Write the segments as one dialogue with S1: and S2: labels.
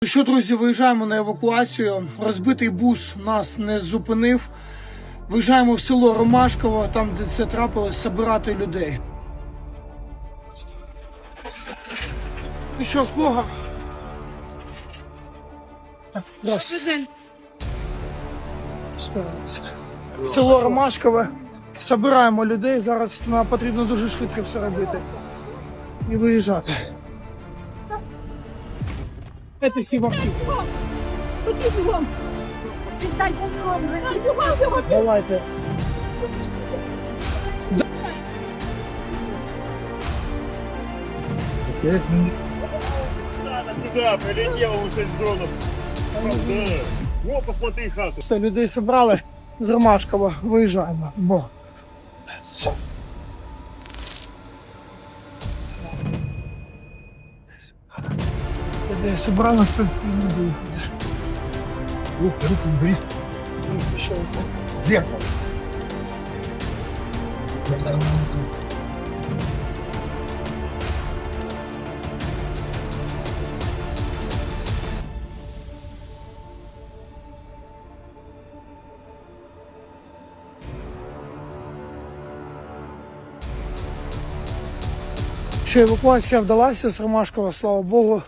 S1: Ну що, друзі, виїжджаємо на евакуацію. Розбитий бус нас не зупинив. Виїжджаємо в село Ромашково, там, де це трапилось, забирати людей. Ну що, з Богом? Так, раз. Село Ромашкове. Забираємо людей. Зараз нам потрібно дуже швидко все робити. І виїжджати. Це всі в автівку. Давайте.
S2: Туда прилетело уже с дроном. Да. О, посмотри хату.
S1: Все, людей зібрали з Ромашкова. Виїжджаємо в Бог. Людей зібрали, хто не виїхати.
S2: Руки бери.
S1: Що?
S2: Зеркало.
S1: Що, евакуація вдалася з Ромашкова, слава Богу.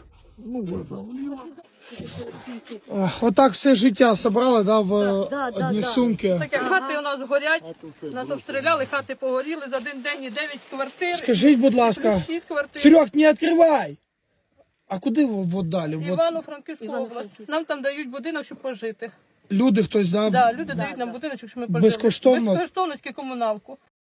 S1: Отак все життя зібрали, да, в одні сумки.
S3: Так як хати у нас горять, нас обстріляли, хати погоріли за один день і 9 квартир.
S1: Скажіть, будь ласка,
S3: 6 квартир.
S1: Серег, не відкривай! А куди ви далі? От
S3: Івано-Франківська область. Нам там дають будинок, щоб пожити.
S1: люди хтось, да?
S3: Да, люди дають нам будинок, щоб ми пожили.
S1: Безкоштовно?
S3: Безкоштовно, тільки комуналку.